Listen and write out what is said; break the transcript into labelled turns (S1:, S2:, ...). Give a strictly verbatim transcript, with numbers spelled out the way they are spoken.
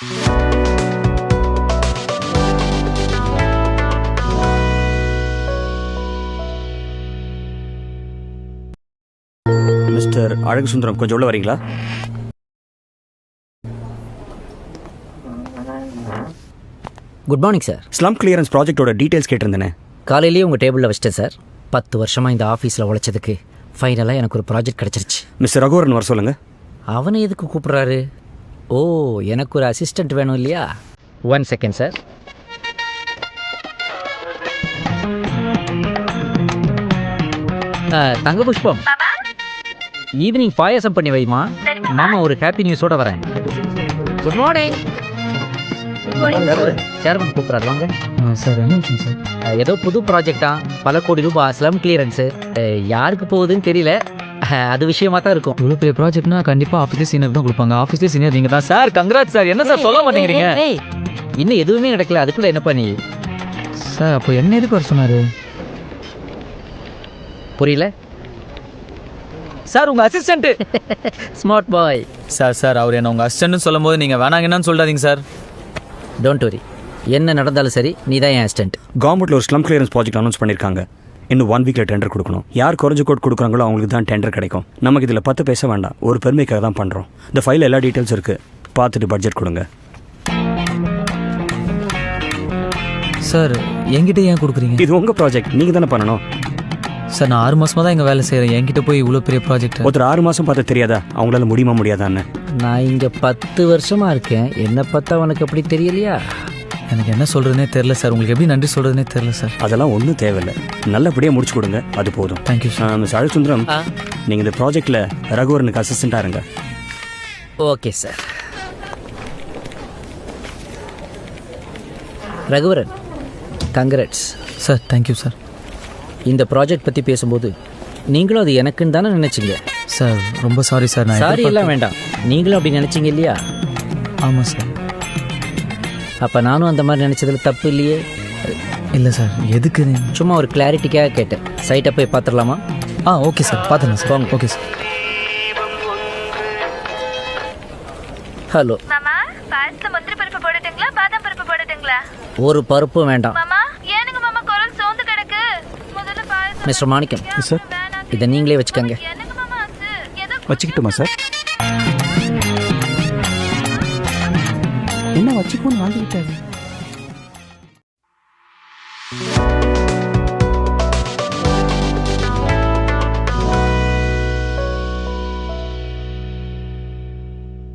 S1: Mister அழகு சுந்தரம், கொஞ்சம் உள்ள வரீங்களா?
S2: Good morning sir.
S1: Slum clearance ப்ராஜெக்டோட டீடைல்ஸ் கேட்டிருந்தேனே.
S2: காலையிலேயே உங்கள் டேபிளில் வச்சிட்டேன் சார். பத்து வருஷமாக இந்த ஆஃபீஸில் உழைச்சதுக்கு ஃபைனலாக எனக்கு ஒரு ப்ராஜெக்ட் கிடச்சிருச்சு.
S1: மிஸ்டர் ரகுவரன் வர சொல்லுங்கள்.
S2: அவனை எதுக்கு கூப்பிட்றாரு? ஓ, எனக்கு ஒரு அசிஸ்டண்ட் வேணும் இல்லையா? One second sir. Thanga Pushpam, evening பாயாசம் பண்ணி வைமா. மாமா ஒரு ஹாப்பி நியூஸோட வரேன். Good morning. சேர்மன் கூப்பிட்றாரு, வாங்க
S3: சார். என்ன விஷயம் சார்?
S2: ஏதோ புது ப்ராஜெக்டா, பல கோடி ரூபாய் ஸ்லம் கிளியரன்ஸு. யாருக்கு போகுதுன்னு தெரியல, அது விஷயமா தான் இருக்கும்.
S3: இவ்வளோ பெரிய ப்ராஜெக்ட்னா கண்டிப்பாக ஆஃபீஸ்லேயே சீனியர் தான் கொடுப்பாங்க. ஆஃபீஸ்லேயே சீனியர் நீங்கள் தான் சார். Congrat sir. என்ன சார் சொல்ல மாட்டேங்கிறீங்க?
S2: இன்னும் எதுவுமே நடக்கல, அதுக்குள்ளே என்ன பண்ணி
S3: சார்? அப்போ என்ன எதுக்கு வர சொன்னார்?
S2: புரியல
S3: சார். உங்கள் assistant
S2: smart boy
S3: sir. Sir அவர் என்ன உங்கள் அசிஸ்டன்ட்னு சொல்லும் போது நீங்கள் வேணாங்கன்னு சொல்லாதீங்க சார்.
S2: டோன்ட் வரி, என்ன நடந்தாலும் சரி, நீ தான் என் அசிஸ்டன்ட்.
S1: கவர்மெண்ட்டில் ஒரு ஸ்லம் கிளியரன்ஸ் ப்ராஜெக்ட் அனௌன்ஸ் பண்ணியிருக்காங்க. இன்னும் ஒன் வீக்கில் டெண்டர் கொடுக்கணும். யார் குறைஞ்ச கோட் கொடுக்குறாங்களோ அவங்களுக்கு தான் டெண்டர் கிடைக்கும். நமக்கு இதில் பத்து பேச வேண்டாம், ஒரு பெருமைக்காக தான் பண்ணுறோம். இந்த ஃபைலில் எல்லா டீட்டெயில்ஸ் இருக்குது, பார்த்துட்டு பட்ஜெட் கொடுங்க.
S3: சார் என்கிட்ட ஏன் கொடுக்குறீங்க?
S1: இது உங்கள் ப்ராஜெக்ட், நீங்கள் தானே பண்ணணும்.
S3: சார் நான் ஆறு மாதமாக தான் இங்கே வேலை செய்கிறேன். என்கிட்ட போய் இவ்வளோ பெரிய ப்ராஜெக்ட்
S1: ஒருத்தர் ஆறு மாதம் பார்த்து தெரியாதா அவங்களால முடியுமா முடியாதான்னு?
S2: நான் இங்கே பத்து வருஷமாக இருக்கேன், என்னை பார்த்தா உனக்கு அப்படி தெரியலையா?
S3: எனக்கு என்ன சொல்கிறதுனே தெரில சார். உங்களுக்கு எப்படி நன்றி சொல்கிறதுனே தெரில சார்.
S1: அதெல்லாம் ஒன்றும் தேவையில்லை, நல்லபடியாக முடிச்சு கொடுங்க, அது போதும்.
S3: Thank you sir.
S1: மிஸ் அழகு சுந்தரம், நீங்கள் இந்த ப்ராஜெக்டில் ரகுவரனுக்கு அசிஸ்டண்ட்டாக இருங்க.
S2: Okay sir. Raghuvaran, congrats
S3: sir. Thank you sir.
S2: இந்த ப்ராஜெக்ட் பற்றி பேசும்போது நீங்களும் அது எனக்குன்னு தானே நினச்சிங்க?
S3: சார் ரொம்ப சாரி சார். நான்
S2: சாரி எல்லாம் வேண்டாம், நீங்களும் அப்படி நினச்சிங்க இல்லையா?
S3: ஆமாம் சார்.
S2: அப்போ நானும் அந்த மாதிரி நினச்சதில் தப்பு இல்லையே?
S3: இல்லை சார். எதுக்கு?
S2: சும்மா ஒரு கிளாரிட்டிக்காக கேட்டேன். சைட்டை போய் பார்த்துடலாமா?
S3: ஆ ஓகே சார், பார்த்துக்கலாம் சார். வாங்க. Okay sir.
S2: ஹலோ
S4: மாமா, பாயசத்துல முந்திரி பருப்பு போடுட்டுங்களா, பாதாம் பருப்பு போடுட்டுங்களா?
S2: ஒரு பருப்பும் வேண்டாம்.
S4: மாமா, ஏனுங்க மாமா குரல் சோர்ந்து கிடக்கு? முதல்ல பாயசம்.
S2: மிஸ்டர் மாணிக்கம்
S1: சார்,
S2: இதை நீங்களே வச்சுக்கோங்க.
S4: என்னங்க மாமா ஆச்சு? ஏதோ
S1: வச்சுக்கிட்டுமா சார்? என்ன வச்சுக்கோன்னு வாங்கிக்கிட்டாரு.